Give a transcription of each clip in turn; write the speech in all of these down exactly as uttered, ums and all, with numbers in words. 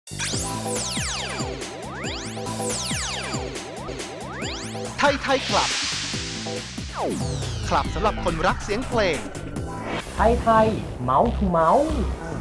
ไทยไทยคลับ คลับสำหรับคนรักเสียงเพลงไทยไทยเมาส์ทูเมาส์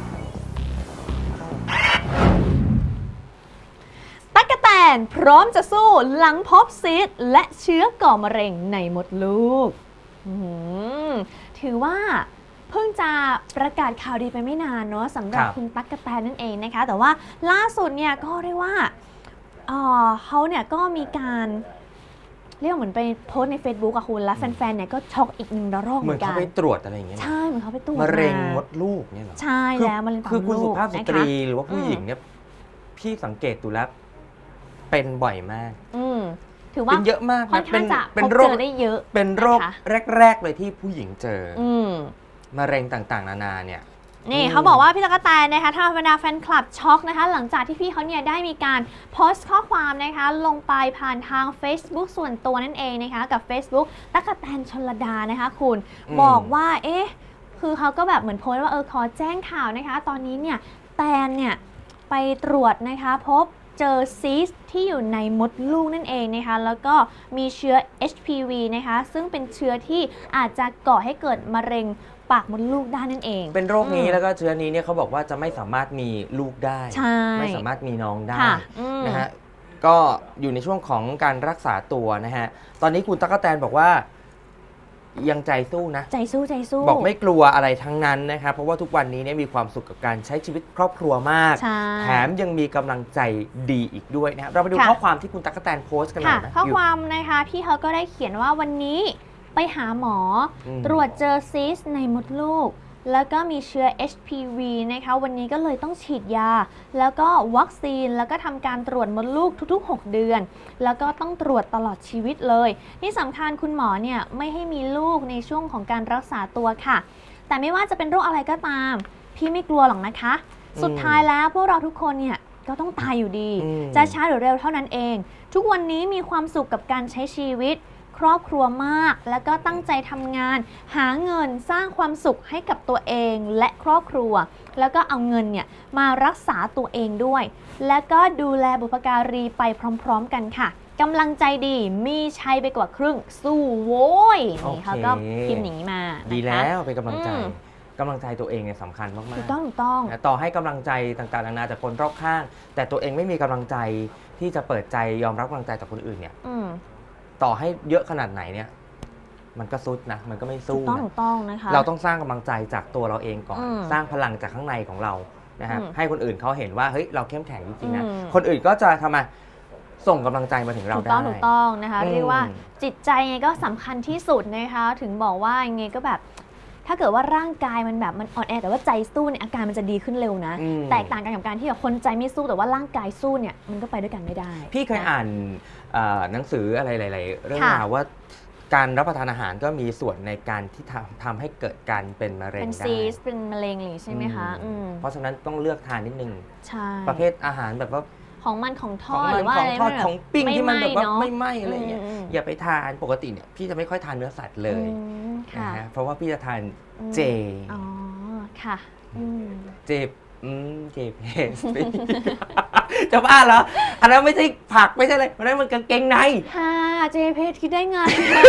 ตั๊กแตนพร้อมจะสู้หลังพบซีสต์และเชื้อก่อมะเร็งในมดลูกถือว่าเพิ่งจะประกาศข่าวดีไปไม่นานเนาะสำหรับคุณตั๊กแตนนั่นเองนะคะแต่ว่าล่าสุดเนี่ยก็เรียกว่าเอ่อเขาเนี่ยก็มีการเรียกเหมือนไปโพสต์ใน Facebook อะคุณแล้วแฟนๆเนี่ยก็ช็อกอีกหนึ่งระลอกเหมือนกันเหมือนเขาไปตรวจอะไรอย่างเงี้ยใช่เหมือนเขาไปตรวจมะเร็งมดลูกเนี่ยเหรอใช่แล้วมะเร็งปากมดลูกคือคุณสุภาพสตรีหรือว่าผู้หญิงเนี่ยพี่สังเกตดูแล้วเป็นบ่อยมากอืมถือว่าเป็นเยอะมากค่อนข้างจะพบเจอได้เยอะเป็นโรคแรกๆเลยที่ผู้หญิงเจออืมมะเร็งต่างๆนานาเนี่ยนี่เขาบอกว่าพี่ตั๊กแตนนะคะถ้าบรรดาแฟนคลับช็อกนะคะหลังจากที่พี่เขาเนี่ยได้มีการโพสต์ข้อความนะคะลงไปผ่านทาง Facebook ส่วนตัวนั่นเองนะคะกับ Facebook ตั๊กแตนชลดานะคะคุณบอกว่าเอ๊ะคือเขาก็แบบเหมือนโพสต์ว่าเออขอแจ้งข่าวนะคะตอนนี้เนี่ยแตนเนี่ยไปตรวจนะคะพบเจอซีสต์ที่อยู่ในมดลูกนั่นเองนะคะแล้วก็มีเชื้อ เอช พี วี นะคะซึ่งเป็นเชื้อที่อาจจะก่อให้เกิดมะเร็งปากมดลูกได้นั่นเองเป็นโรคนี้แล้วก็เชื้อนี้เนี่ยเขาบอกว่าจะไม่สามารถมีลูกได้ไม่สามารถมีน้องได้นะฮะก็อยู่ในช่วงของการรักษาตัวนะฮะตอนนี้คุณตั๊กแตนบอกว่ายังใจสู้นะใจสู้ใจสู้บอกไม่กลัวอะไรทั้งนั้นนะครับเพราะว่าทุกวันนี้เนี่ยมีความสุขกับการใช้ชีวิตครอบครัวมากแถมยังมีกำลังใจดีอีกด้วยนะครับเราไปดูข้อความที่คุณตั๊กแตนโพสต์กันหน่อยนะข้อความนะคะพี่เขาก็ได้เขียนว่าวันนี้ไปหาหมอตรวจเจอซีสต์ในมดลูกแล้วก็มีเชื้อ เอช พี วี นะคะวันนี้ก็เลยต้องฉีดยาแล้วก็วัคซีนแล้วก็ทำการตรวจมดลูกทุกๆหกเดือนแล้วก็ต้องตรวจตลอดชีวิตเลยที่สำคัญคุณหมอเนี่ยไม่ให้มีลูกในช่วงของการรักษาตัวค่ะแต่ไม่ว่าจะเป็นโรคอะไรก็ตามพี่ไม่กลัวหรอกนะคะสุดท้ายแล้วพวกเราทุกคนเนี่ยก็ต้องตายอยู่ดีจะช้าหรือเร็วเท่านั้นเองทุกวันนี้มีความสุขกับการใช้ชีวิตครอบครัวมากแล้วก็ตั้งใจทำงานหาเงินสร้างความสุขให้กับตัวเองและครอบครัวแล้วก็เอาเงินเนี่ยมารักษาตัวเองด้วยแล้วก็ดูแลบุพการีไปพร้อมๆกันค่ะกำลังใจดีมีชัยไปกว่าครึ่งสู้โว้ยนี่เขาก็พิมพ์อย่างนี้มาดีแล้วเป็นกำลังใจกำลังใจตัวเองเนี่ยสำคัญมากๆถูกต้องถูกต้องต่อให้กำลังใจต่างๆนานาจากคนรอบข้างแต่ตัวเองไม่มีกำลังใจที่จะเปิดใจยอมรับกำลังใจจากคนอื่นเนี่ยต่อให้เยอะขนาดไหนเนี่ยมันก็ซุดนะมันก็ไม่สู้นะถูกต้องนะคะเราต้องสร้างกำลังใจจากตัวเราเองก่อนสร้างพลังจากข้างในของเรานะครับให้คนอื่นเขาเห็นว่าเฮ้ยเราเข้มแข็งจริงๆนะคนอื่นก็จะทำมาส่งกำลังใจมาถึงเราได้ถูกต้องถูกต้องนะคะเรียกว่าจิตใจไงก็สำคัญที่สุดนะคะถึงบอกว่าไงก็แบบถ้าเกิดว่าร่างกายมันแบบมันอ่อนแอแต่ว่าใจสู้เนี่ยอาการมันจะดีขึ้นเร็วนะแตกต่างกันกับการที่แบบคนใจไม่สู้แต่ว่าร่างกายสู้เนี่ยมันก็ไปด้วยกันไม่ได้พี่เคยอ่านหนังสืออะไรหลายๆเรื่องราวว่าการรับประทานอาหารก็มีส่วนในการที่ทำทำให้เกิดการเป็นมะเร็งได้เป็นซีสเป็นมะเร็งหรือใช่ไหมคะเพราะฉะนั้นต้องเลือกทานนิดนึงใช่ประเภทอาหารแบบว่าของมันของทอดหรือว่าของทอดของปิ้งที่มันแบบว่าไม่ไหม้อะไรเงี้ยอย่าไปทานปกติเนี่ยพี่จะไม่ค่อยทานเนื้อสัตว์เลยนะฮะเพราะว่าพี่จะทานเจอ๋อค่ะเจอืมเจเพสจะบ้าเหรออันนั้นไม่ใช่ผักไม่ใช่อะไรอันนั้นมันกางเกงในค่ะเจเพสคิดได้ไง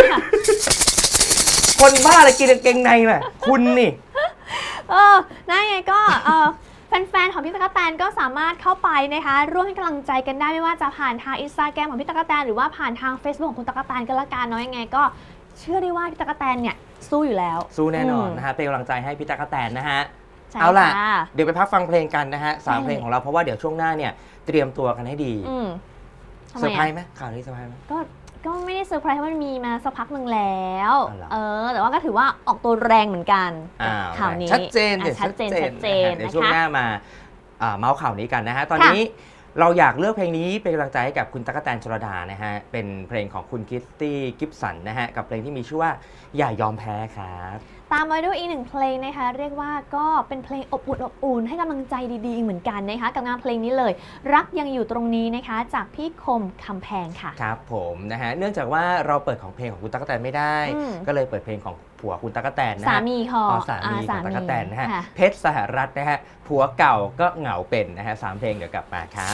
คนบ้าอะไรกินกางเกงในแหละคุณนี่เออนั่นไงก็เออแฟนๆของพี่ตั๊กแตนก็สามารถเข้าไปนะคะร่วมให้กำลังใจกันได้ไม่ว่าจะผ่านทางอินสตาแกรมของพี่ตั๊กแตนหรือว่าผ่านทาง Facebook ของคุณตั๊กแตนก็แล้วกันเนาะยังไงก็เชื่อได้ว่าพี่ตั๊กแตนเนี่ยสู้อยู่แล้วสู้แน่นอนนะฮะเป็นกำลังใจให้พี่ตั๊กแตนนะฮะเอาล่ะเดี๋ยวไปพักฟังเพลงกันนะฮะสามเพลงของเราเพราะว่าเดี๋ยวช่วงหน้าเนี่ยเตรียมตัวกันให้ดีเซอร์ไพรส์ไหมข่าวนี้เซอร์ไพรส์ไหมก็ก็ไม่ได้เซอร์ไพรส์เพราะมันมีมาสักพักหนึ่งแล้วเออแต่ว่าก็ถือว่าออกตัวแรงเหมือนกันข่าวนี้ชัดเจนชัดเจนชัดเจนเดี๋ยวช่วงหน้ามาเมาส์ข่าวนี้กันนะฮะตอนนี้เราอยากเลือกเพลงนี้เป็นกำลังใจให้กับคุณตั๊กแตนชลดานะฮะเป็นเพลงของคุณคิตตี้กิฟสันนะฮะกับเพลงที่มีชื่อว่าอย่ายอมแพ้ครับตามมาด้วยอีกหนึ่งเพลงนะคะเรียกว่าก็เป็นเพลงอบอุ่นอบอุ่นให้กำลังใจดีๆเหมือนกันนะคะกับงานเพลงนี้เลยรักยังอยู่ตรงนี้นะคะจากพี่คมคำแพงค่ะครับผมนะฮะเนื่องจากว่าเราเปิดของเพลงของคุณตั๊กแตนไม่ได้ ก็เลยเปิดเพลงของผัวคุณตั๊กแตนนะฮะสามีของอ๋อสามีของอ่าตั๊กแตนนะฮะค่ะเพชรสหรัฐนะฮะผัวเก่าก็เหงาเป็นนะฮะสามเพลงเดี๋ยวกลับมาครับ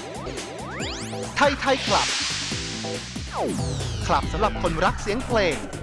ไทยไทยคลับ คลับสำหรับคนรักเสียงเพลง